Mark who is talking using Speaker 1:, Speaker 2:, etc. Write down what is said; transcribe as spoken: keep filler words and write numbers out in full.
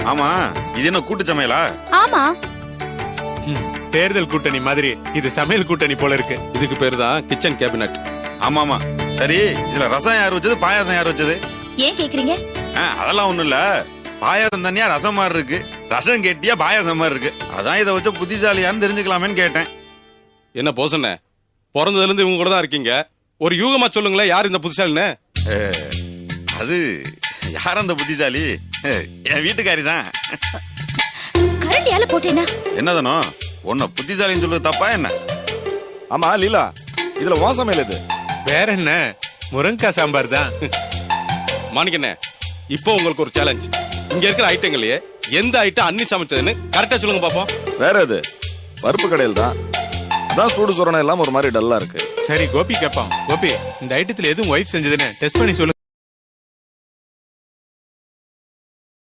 Speaker 1: ஆமா, இது என்ன கூட்டு சமையலா?
Speaker 2: ஆமா.
Speaker 3: தேர்தல் கூட்டணி மாதிரி இது சமையல் கூட்டணி போல இருக்கு.
Speaker 4: இதுக்கு பேரு தான் கிச்சன் கேபினட்.
Speaker 1: ஆமா ஆமா. சரி, இதுல ரசம் யார் வச்சது, பாயாசம் யார் வச்சது?
Speaker 2: ஏன் கேக்குறீங்க?
Speaker 1: அதெல்லாம் ஒண்ணும் இல்ல. பாயாசம் தனியா ரசம் மாதிரி இருக்கு, ரசம் கெட்டியா பாயாசம் மாதிரி இருக்கு. அதான் இதை வச்ச புத்திசாலியான்னு தெரிஞ்சுக்கலாமேன்னு கேட்டேன்.
Speaker 4: என்ன போசண்ணே, பிறந்ததுல இருந்து இவங்க கூட தான் இருக்கீங்க, ஒரு யூகமா சொல்லுங்களேன், யார் இந்த புத்திசாலின்னு?
Speaker 1: அது யார் அந்த புத்திசாலி? என் வீட்டுக்காரி தான்.
Speaker 2: கரண்டியால போட்டேனா?
Speaker 1: என்னதானோ உன்ன புத்திசாலின்னு சொல்றது தப்பா என்ன?
Speaker 5: ஆமா லீலா, இதுல உன் சமையல் இது?
Speaker 3: வேற என்ன, முருங்கக்காய் சாம்பார் தான்.
Speaker 4: மாணிக்கண்ணே, இப்போ உங்களுக்கு ஒரு சேலஞ்ச். இங்க இருக்கிற ஐட்டங்களையே எந்த ஐட்டம் அன்னி சமைச்சதுன்னு கரெக்டா சொல்லுங்க பாப்போம்.
Speaker 5: வேற எது? பருப்பு கடையில் தான். அதான் சூடு சுரணம் எல்லாம் ஒரு மாதிரி டல்லா இருக்கு.
Speaker 3: சரி கோபி கேட்பான். கோபி, இந்த ஐட்டத்துல எதுவும் ஒய்ஃப் செஞ்சதுன்னு டெஸ்ட் பண்ணி சொல்லு.